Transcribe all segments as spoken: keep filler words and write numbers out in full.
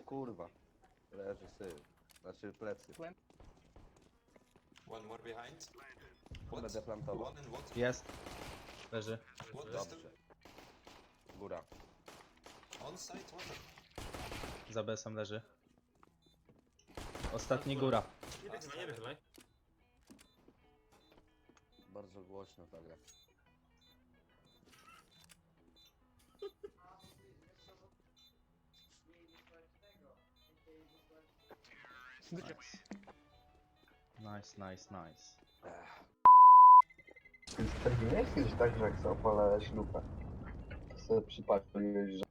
kurwa. Leży syf. Znaczy plecy. One more behind. Będę plantował. One in what? Jest. Leży. What is Dobrze. Góra. On site water. Za besem leży. Ostatni góra. Nie wychylaj, nie wychylaj. Bardzo głośno ta gra. Nice, nice, nice. Tak nie jest kiedyś tak, że jak sobie opalałeś lupę, to sobie przypaliłeś, że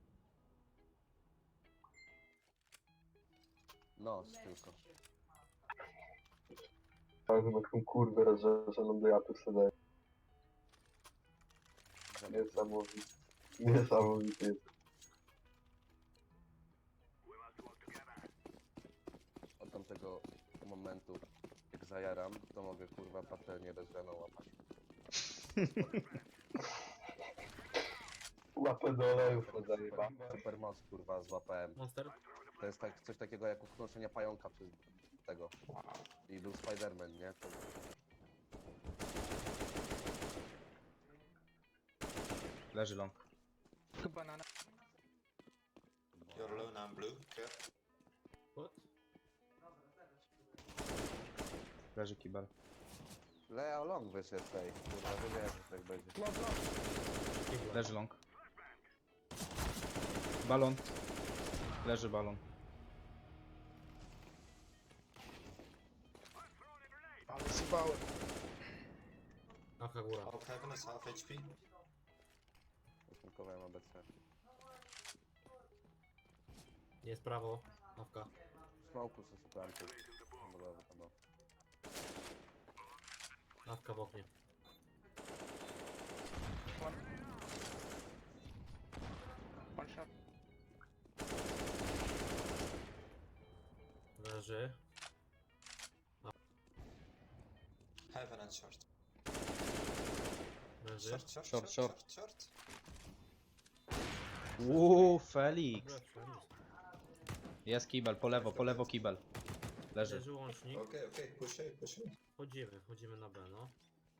Nos tylko. każdą taką kurwę rozżarzoną do jatu sobie daje. Niesamowity. Niesamowity jest. Od tamtego momentu, jak zajaram, to mogę kurwa patelnię rozgraną łapać. Łapę do olejów to zajeba. Super moc kurwa złapałem. Monster. To jest tak, coś takiego jak unoszenie pająka przez tego. I był Spiderman, nie? To... Leży long. You're low now, blue. Care. What? Leży kibel. Leo Long wyszedł tej. Kurwa, wiedziałem, że tak będzie. Leży long. Balon. Leży balon. Ale sypałem. Aka góra. Half heaven is half H P. Zasmunkowałem A B C. Jest prawo. Awka. Smoku se suplanty. Modelowy tam był. Awka w oknie. Leży. Heaven and short. Leży. Short, short, Short, short, short. short, short. Uuu, Felix. Dobra, wszędzie. Jest kibel, po lewo, po lewo kibel. Leży. Leży łącznik. Okay, okay, push it, push it. Chodzimy, chodzimy na B, no.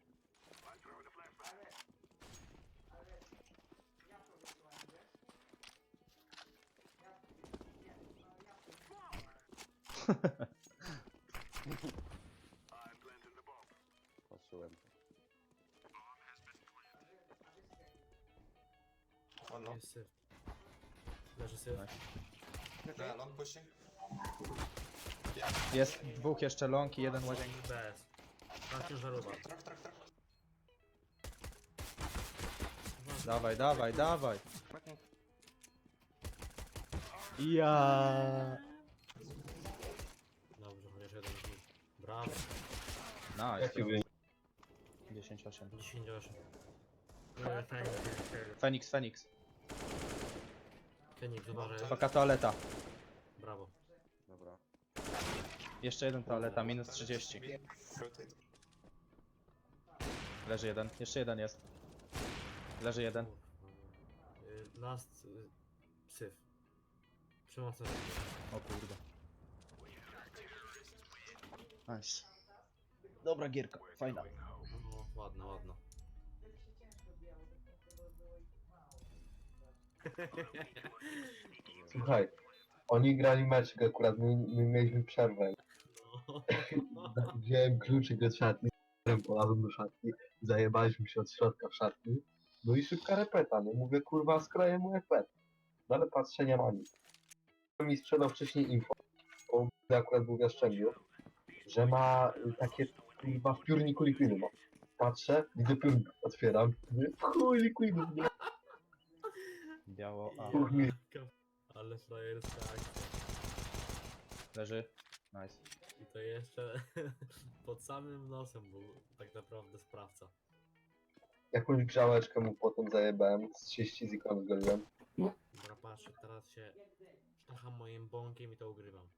Patrzyłem. One long. Jest syf. Leży syf. Yeah, long pushing. Jest dwóch jeszcze long i jeden łazienki. Bez. Tam ciężarówka. Truck, truck, truck. Dawaj, dawaj, dawaj. Ja. Dobrze, chociaż jeden z nich. Brawo. Nice. Jaki wynik? dziesięć osiem. dziesięć osiem. Feniks, Feniks. Feniks, uważaj. Paka toaleta. Brawo. Dobra. Jeszcze jeden toaleta, minus trzydzieści. Rotate. Leży jeden, jeszcze jeden jest. Leży jeden. Y, Last y, syf. Przemocny. O kurde. Nice. Dobra gierka, fajna. No, ładna, ładna. Słuchaj, oni grali meczek akurat, my, my mieliśmy przerwę. No. Wziąłem kluczyk od szatni, polazłem do szatni, zajebaliśmy się od środka w szatni. No i szybka repeta, nie? Mówię, kurwa, skroję mu jak pet. No ale patrzę, nie ma nic. Mi sprzedał wcześniej info, bo akurat był w Jastrzębiu, że ma y, takie, kurwa, w piórniku likwidu ma. Patrzę, widzę piórnik, otwieram, mówię, chuj likwidu, nie? Biało, a. Chuj mi. Ale frajerska akcja. Leży. Nice. I to jeszcze pod samym nosem był tak naprawdę sprawca. Jakąś grzałeczkę mu potem zajebałem, z trzydzieści zikon zgoliłem. Dobra, patrzę, teraz się sztacham moim bąkiem i to ugrywam.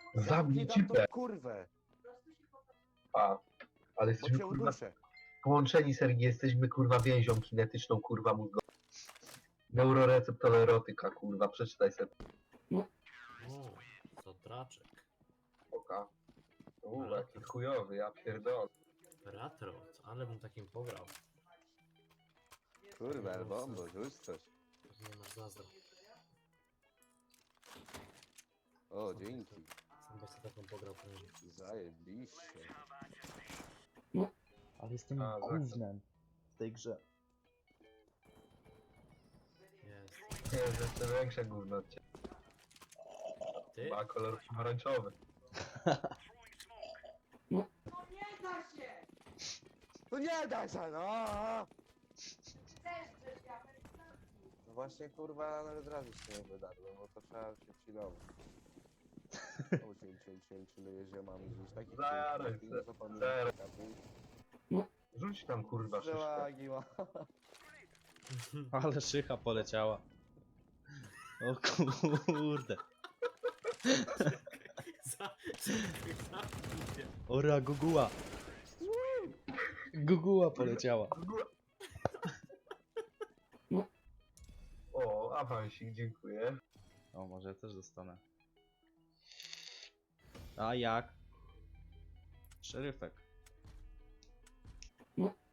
Zabij Dam cipę. tą kurwę, A, ale bo jesteśmy cię kurwa uduszę. połączeni, Sergi, jesteśmy kurwa więzią kinetyczną, kurwa mózgową. Neuroreceptor erotyka, kurwa, przeczytaj sobie. O, co draczek. Oka. Uuu, jaki chujowy, ja pierdolę. Ratrot, ale bym takim pograł. Kurwa, Elbombo, rzuć coś. Nie masz zazdro. O, dzięki. Sam byś sobie taką pograł prędzej. Zajebiście. Ale jestem A, tak. gównem w tej grze. Jest. Nie, jest jeszcze większe gówno od ciebie. Ty? Ma kolor pomarańczowy. No nie daj się, no! No właśnie, kurwa, nawet razu się nie wydarło, bo to trzeba się chillować. O, chill, chill, chill, chilluje ziomami, gdzieś taki... Zaraz, zaraz. Rzuć tam, kurwa, szyszkę. Żałagi ma. Ale szycha poleciała. O kurde. Za... Zamknij się. Ora, guguła. Guguła poleciała. O, awansik, dziękuję. O, może ja też dostanę. A jak? Szeryfek.